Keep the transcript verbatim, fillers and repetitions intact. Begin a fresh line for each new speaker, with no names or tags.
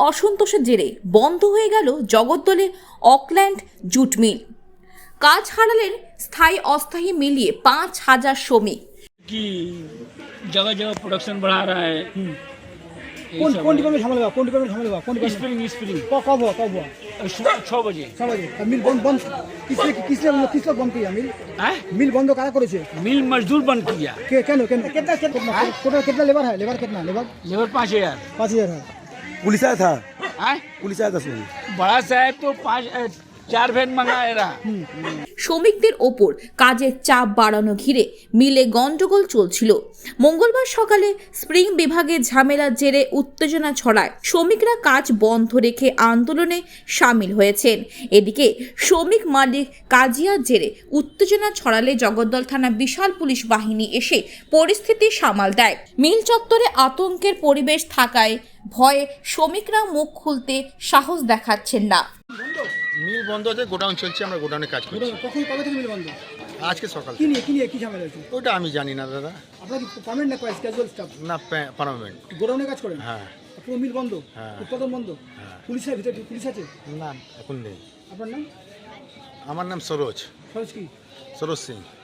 অসন্তোষের জেরে বন্ধ হয়ে গেল জগদ্দলে অকল্যান্ড জুট মিল। কাজ হারালেন স্থায়ী অস্থায়ী মিলিয়ে पाँच हजार श्रमिक।
कि जगह जगह प्रोडक्शन बढ़ा रहा है।
कौन कौन डिपार्टमेंट झमेला कौन डिपार्टमेंट झमेला कौन डिपार्टमेंट
स्प्रिंग स्प्रिंग
कब कब हुआ कब हुआ
छः बजे
छह बजे तब मिल बंद बंद किसने किसने किसने बंद किया मिल
है
मिल बंद कारा करे छे
मिल मजदूर बंद किया।
के केन केन कितना कितना टोटल कितना लेबर है लेबर कितना लेबर
लेबर पाँच हजार
पाँच हजार है
पुलिस आया था
है
पुलिस आया था सुनिए
बड़ा साहब तो पाँच चार वैन मंगाए रहा।
শ্রমিকদের ওপর কাজের চাপ বাড়ানো ঘিরে মিলে গন্ডগোল চলছিল। মঙ্গলবার সকালে স্প্রিং বিভাগে ঝামেলার জেরে উত্তেজনা ছড়ায় শ্রমিকরা কাজ বন্ধ রেখে আন্দোলনে সামিল হয়েছেন। এদিকে শ্রমিক মালিক কাজিয়ার জেরে উত্তেজনা ছড়ালে জগদ্দল থানা বিশাল পুলিশ বাহিনী এসে পরিস্থিতি সামাল দেয়। মিল চত্বরে আতঙ্কের পরিবেশ থাকায় ভয়ে শ্রমিকরা মুখ খুলতে সাহস দেখাচ্ছেন না।
মিল বন্ধ আছে, গোডাউন চলছে, আমরা গোডাউনে কাজ করছি।
কখন কবে থেকে মিল বন্ধ
আজকে সকাল
কি নিয়ে কি নিয়ে কি ঝামেলা হচ্ছে
ওটা আমি জানি না দাদা।
আপনারা কি পার্মানেন্ট না ক্যাজুয়াল স্টাফ
না পার্মানেন্ট।
গোডাউনে কাজ করেন
হ্যাঁ
পুরো মিল বন্ধ
হ্যাঁ।
উৎপাদন বন্ধ
হ্যাঁ।
পুলিশের ভিতরে পুলিশ আছে
না এখন নেই।
আপনার নাম
আমার নাম সরোজ
সরোজ কি
সরোজ সিং।